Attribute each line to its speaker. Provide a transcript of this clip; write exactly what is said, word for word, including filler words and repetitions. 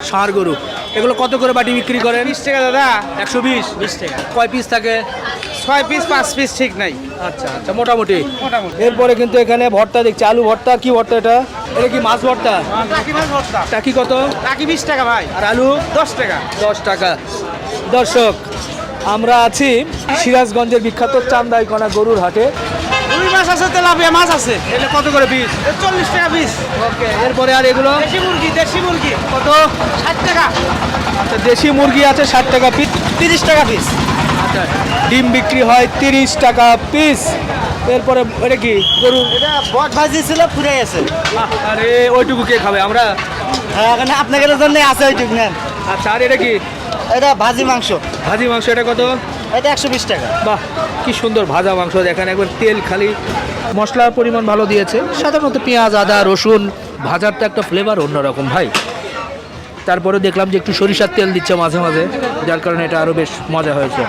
Speaker 1: ষাঁড় গরু, এগুলো কত করে বাটি বিক্রি করেন?
Speaker 2: বিশ টাকা দাদা।
Speaker 1: একশো বিশ।
Speaker 2: বিশ টাকা।
Speaker 1: কয় পিস থাকে?
Speaker 2: ছয় পিস পাঁচ পিস ঠিক নাই।
Speaker 1: আচ্ছা আচ্ছা, মোটামুটি।
Speaker 2: মোটামুটি।
Speaker 1: এরপরে কিন্তু এখানে ভর্তা দেখছি, আলু ভর্তা। কি ভর্তা এটা? এটা কি মাছ ভর্তা?
Speaker 2: টাকি মাছ ভর্তা।
Speaker 1: টাকি কত?
Speaker 2: টাকি বিশ টাকা ভাই।
Speaker 1: আর আলু?
Speaker 2: দশ টাকা।
Speaker 1: দশ টাকা। দর্শক, আমরা আছি সিরাজগঞ্জের বিখ্যাত চান্দাইকোনা গরুর হাটে।
Speaker 2: রুই মাছ আছে, তেলাপিয়া মাছ আছে।
Speaker 1: এটা কত করে পিস?
Speaker 2: চল্লিশ টাকা পিস।
Speaker 1: ওকে, এরপরে আর এগুলো
Speaker 2: দেশি মুরগি, দেশি মুরগি
Speaker 1: কত?
Speaker 2: ষাট টাকা।
Speaker 1: আচ্ছা, দেশি মুরগি আছে ষাট টাকা পিস।
Speaker 2: তিরিশ টাকা পিস।
Speaker 1: আচ্ছা, ডিম বিক্রি হয় তিরিশ টাকা পিস। এরপরে এটা কি গরু?
Speaker 2: এটা বট ভাজি ছিল, ফুরে গেছে।
Speaker 1: আরে ওইটুকু কে খাবে? আমরা।
Speaker 2: হ্যাঁ, এখানে আপনাদের জন্য আছে ওইটুকু নেন।
Speaker 1: আচ্ছা, আর এটা কি?
Speaker 2: এটা ভাজি মাংস।
Speaker 1: ভাজি মাংস, এটা কত?
Speaker 2: এটা একশো বিশ টাকা।
Speaker 1: বাহ, কি সুন্দর ভাজা মাংস। দেখেন একবার তেল খালি, মশলার পরিমাণ ভালো দিয়েছে। সাধারণত পেঁয়াজ, আদা, রসুন ভাজার তো একটা ফ্লেভার অন্যরকম ভাই। তারপরে দেখলাম যে একটু সরিষার তেল দিচ্ছে মাঝে মাঝে, যার কারণে এটা আরও বেশ মজা হয়েছে।